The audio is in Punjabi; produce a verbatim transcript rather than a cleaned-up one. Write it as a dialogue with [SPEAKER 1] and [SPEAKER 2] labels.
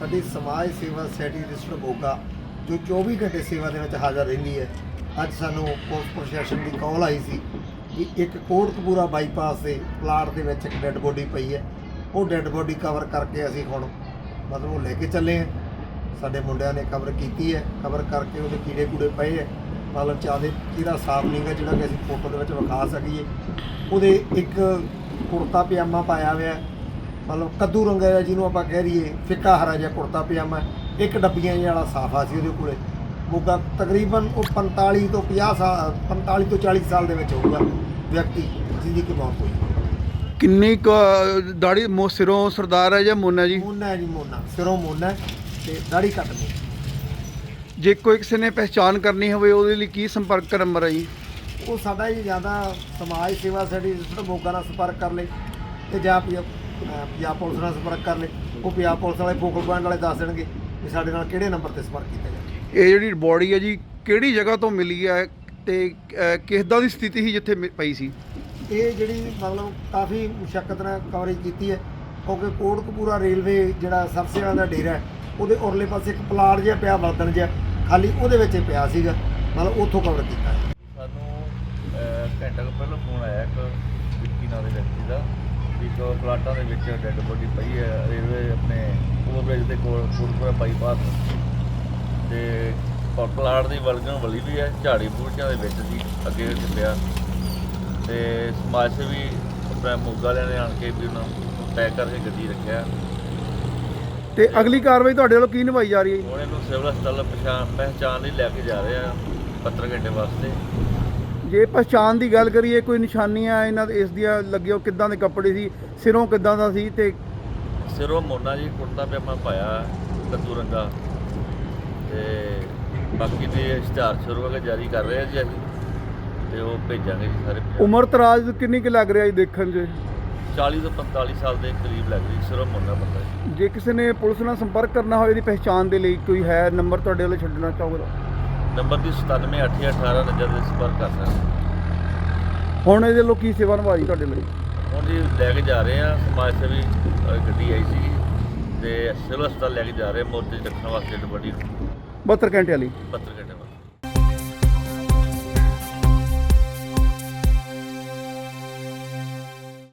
[SPEAKER 1] ਸਾਡੀ ਸਮਾਜ ਸੇਵਾ ਸੋਸਾਇਟੀ ਰਜਿਸਟਰਡ ਮੋਗਾ ਜੋ ਚੌਵੀ ਘੰਟੇ ਸੇਵਾ ਦੇ ਵਿੱਚ ਹਾਜ਼ਰ ਰਹਿੰਦੀ ਹੈ। ਅੱਜ ਸਾਨੂੰ ਪੁਲਿਸ ਪ੍ਰਸ਼ਾਸਨ ਦੀ ਕਾਲ ਆਈ ਸੀ ਕਿ ਇੱਕ ਕੋਟਕਪੂਰਾ ਬਾਈਪਾਸ ਦੇ ਪਲਾਟ ਦੇ ਵਿੱਚ ਇੱਕ ਡੈੱਡ ਬੋਡੀ ਪਈ ਹੈ। ਉਹ ਡੈੱਡ ਬੋਡੀ ਕਵਰ ਕਰਕੇ ਅਸੀਂ ਹੁਣ ਮਤਲਬ ਉਹ ਲੈ ਕੇ ਚੱਲੇ ਹਾਂ। ਸਾਡੇ ਮੁੰਡਿਆਂ ਨੇ ਕਵਰ ਕੀਤੀ ਹੈ, ਕਵਰ ਕਰਕੇ ਉਹਦੇ ਕੀੜੇ ਕੂੜੇ ਪਏ ਹੈ, ਮਤਲਬ ਚਾਹਦੇ ਇਹਦਾ ਸਾਫ ਨਹੀਂ ਗਾ ਜਿਹੜਾ ਕਿ ਅਸੀਂ ਫੋਟੋ ਦੇ ਵਿੱਚ ਵਿਖਾ ਸਕੀਏ। ਉਹਦੇ ਇੱਕ ਕੁੜਤਾ ਪਜਾਮਾ ਪਾਇਆ ਹੋਇਆ, ਮਤਲਬ ਕੱਦੂ ਰੰਗਾ ਜਿਹਾ ਜਿਹਨੂੰ ਆਪਾਂ ਕਹਿ ਰਹੀਏ, ਫਿੱਕਾ ਹਰਾ ਜਿਹਾ ਕੁੜਤਾ ਪਜਾਮਾ, ਇੱਕ ਡੱਬੀਆਂ ਜਿਹੇ ਵਾਲਾ ਸਾਫਾ ਸੀ ਉਹਦੇ ਕੋਲੇ। ਮੋਗਾ ਤਕਰੀਬਨ ਉਹ ਪੰਤਾਲੀ ਤੋਂ ਪੰਜਾਹ ਸਾਲ ਪੰਤਾਲੀ ਤੋਂ ਚਾਲੀ ਸਾਲ ਦੇ ਵਿੱਚ ਹੋਊਗਾ ਵਿਅਕਤੀ ਜਿਹਦੀ ਕਿ ਮੌਤ ਹੋਈ।
[SPEAKER 2] ਕਿੰਨੀ ਕੁ ਦਾੜੀ ਮੋ ਸਿਰੋਂ ਸਰਦਾਰ ਹੈ ਜਾਂ ਮੋਨਾ ਜੀ?
[SPEAKER 1] ਮੋਨਾ ਹੈ ਜੀ, ਮੋਨਾ ਸਿਰੋਂ ਮੋਨਾ ਤੇ ਦਾੜੀ ਕੱਟ ਲਈ।
[SPEAKER 2] ਜੇ ਕੋਈ ਕਿਸੇ ਨੇ ਪਹਿਚਾਣ ਕਰਨੀ ਹੋਵੇ ਉਹਦੇ ਲਈ ਕੀ ਸੰਪਰਕ ਨੰਬਰ ਹੈ ਜੀ?
[SPEAKER 1] ਉਹ ਸਾਡਾ ਜੀ ਜ਼ਿਆਦਾ ਸਮਾਜ ਸੇਵਾ ਸਾਡੀ ਰਜਿਸਟਰਡ ਮੋਗਾ ਨਾਲ ਸੰਪਰਕ ਕਰ ਲੇ ਤੇ ਜਾਂ ਪੰਜਾਬ ਪੰਜਾਬ ਪੁਲਿਸ ਨਾਲ ਸੰਪਰਕ ਕਰ ਲੇ। ਉਹ ਪੰਜਾਬ ਪੁਲਿਸ ਵਾਲੇ ਫੋਕਲ ਪੁਆਇੰਟ ਵਾਲੇ ਦੱਸ ਦੇਣਗੇ ਕਿ ਸਾਡੇ ਨਾਲ ਕਿਹੜੇ ਨੰਬਰ ਤੇ ਸੰਪਰਕ ਕੀਤਾ ਜਾਵੇ।
[SPEAKER 2] ਇਹ ਜਿਹੜੀ ਬੋਡੀ ਹੈ ਜੀ ਕਿਹੜੀ ਜਗ੍ਹਾ ਤੋਂ ਮਿਲੀ ਹੈ ਤੇ ਕਿਸ ਦਾ ਦੀ ਸਥਿਤੀ ਸੀ ਜਿੱਥੇ ਮਿ- ਪਈ ਸੀ?
[SPEAKER 1] ਇਹ ਜਿਹੜੀ ਮਤਲਬ ਕਾਫੀ ਮੁਸ਼ੱਕਤ ਨਾਲ ਕਵਰੇਜ ਕੀਤੀ ਹੈ ਕਿਉਂਕਿ ਕੋਟਕਪੂਰਾ ਰੇਲਵੇ ਜਿਹੜਾ ਸਰਸੇ ਵਾਲਾ ਦਾ ਡੇਰਾ ਹੈ ਉਹਦੇ ਉਰਲੇ ਪਾਸੇ ਇੱਕ ਪਲਾਟ ਜਿਹਾ ਪਿਆ ਬਰਤਨ ਜਿਹਾ ਖਾਲੀ ਉਹਦੇ ਵਿੱਚ ਹੀ ਪਿਆ ਸੀਗਾ, ਮਤਲਬ ਉੱਥੋਂ ਕਵਰ ਕੀਤਾ ਹੈ।
[SPEAKER 3] ਸਾਨੂੰ ਘੰਟਾ ਕੁ ਪਹਿਲਾਂ ਫੋਨ ਆਇਆ ਇੱਕ ਵਿੱਕੀ ਨਾਂ ਦੇ ਵਿਅਕਤੀ ਦਾ ਵੀ ਇੱਕ ਪਲਾਟਾਂ ਦੇ ਵਿੱਚ ਡੈੱਡ ਬੋਡੀ ਪਈ ਹੈ ਰੇਲਵੇ ਆਪਣੇ ਓਵਰਬ੍ਰਿਜ ਦੇ ਕੋਲ ਕੋਟਕਪੂਰਾ ਬਾਈਪਾਸ ਤੇ ਪ- ਪਲਾਟ ਦੀ ਵਲਗਣ ਵਲੀ ਵੀ ਹੈ, ਝਾੜੀ ਬੂਟਿਆਂ ਦੇ ਵਿੱਚ ਸੀ ਅੱਗੇ ਪਿਆ ਤੇ ਸਮਾਜ ਸੇਵੀ ਆਪਣੇ ਮੋਗਾ ਵਾਲਿਆਂ ਨੇ ਆਣ ਕੇ ਵੀ ਉਹਨਾਂ ਨੂੰ ਪੈਕ ਕਰਕੇ ਗੱਡੀ ਰੱਖਿਆ।
[SPEAKER 2] ਤੇ ਅਗਲੀ ਕਾਰਵਾਈ ਤੁਹਾਡੇ ਵੱਲੋਂ ਕੀ ਨਿਭਾਈ ਜਾ ਰਹੀ ਹੈ ਜੀ?
[SPEAKER 3] ਹੁਣ ਇਹਨੂੰ ਸਿਵਲ ਹਸਪਤਾਲ ਪਛਾਣ ਪਹਿਚਾਣ ਲਈ ਲੈ ਕੇ ਜਾ ਰਹੇ ਆ ਸੱਤਰ ਘੰਟੇ ਵਾਸਤੇ।
[SPEAKER 2] ਜੇ ਪਛਾਣ ਦੀ ਗੱਲ ਕਰੀਏ ਕੋਈ ਨਿਸ਼ਾਨੀਆਂ ਇਹਨਾਂ ਦੇ ਇਸ ਦੀਆਂ ਲੱਗੀਆਂ, ਕਿੱਦਾਂ ਦੇ ਕੱਪੜੇ ਸੀ, ਸਿਰੋਂ ਕਿੱਦਾਂ ਦਾ ਸੀ ਤੇ
[SPEAKER 3] ਸਿਰੋਂ ਮੋਨਾ ਜੀ ਕੁੜਤਾ ਪਜਾਮਾ ਪਾਇਆ ਕੱਦੂ ਰੰਗਾ ਤੇ ਬਾਕੀ ਦੇ ਇਸ਼ਤਿਹਾਰ ਸ਼ੁਰੂ ਹੋ ਕੇ ਜਾਰੀ ਕਰ ਰਹੇ ਆ ਜੀ ਅਸੀਂ ਤੇ ਉਹ ਭੇਜਾਂਗੇ ਜੀ ਸਾਰੇ।
[SPEAKER 2] ਉਮਰ ਤਰਾਜ ਕਿੰਨੀ ਕੁ ਲੱਗ ਰਿਹਾ ਜੀ ਦੇਖਣ 'ਚ?
[SPEAKER 3] ਚਾਲੀ ਤੋਂ ਪੰਤਾਲੀ ਸਾਲ ਦੇ ਕਰੀਬ ਲੱਗ ਰਹੀ ਸਿਰੋਂ ਮੋਨਾ ਬੰਦਾ ਜੀ।
[SPEAKER 2] ਜੇ ਕਿਸੇ ਨੇ ਪੁਲਿਸ ਨਾਲ ਸੰਪਰਕ ਕਰਨਾ ਹੋਵੇ ਇਹਦੀ ਪਹਿਚਾਣ ਦੇ ਲਈ ਕੋਈ ਹੈ ਨੰਬਰ ਤੁਹਾਡੇ ਵੱਲੋਂ ਛੱਡਣਾ ਚਾਹੋਗੇ?
[SPEAKER 3] ਨੰਬਰ ਦੀ ਸਤਾਨਵੇਂ ਅੱਠ ਅਠਾਰਾਂ ਨੰਬਰ ਦੇ ਸੰਪਰਕ ਕਰ ਸਕਦੇ।
[SPEAKER 2] ਹੁਣ ਇਹਦੇ ਵੱਲੋਂ ਕੀ ਸੇਵਾ ਨਿਭਾਈ ਤੁਹਾਡੇ ਲਈ?
[SPEAKER 3] ਹੁਣ ਜੀ ਲੈ ਕੇ ਜਾ ਰਹੇ ਆ ਸਮਾਜ ਸੇਵੀ ਅ, ਗੱਡੀ ਆਈ ਸੀ ਤੇ ਸਿਵਲ ਹਸਪਤਾਲ ਲੈ ਕੇ ਜਾ ਰਹੇ ਮੋਰਚੇ 'ਚ ਰੱਖਣ ਵਾਸਤੇ ਵੱਡੀ
[SPEAKER 2] ਬਹੱਤਰ ਘੰਟੇ ਵਾਲੀ
[SPEAKER 3] ਪੱਤਰ ਘੰਟੇ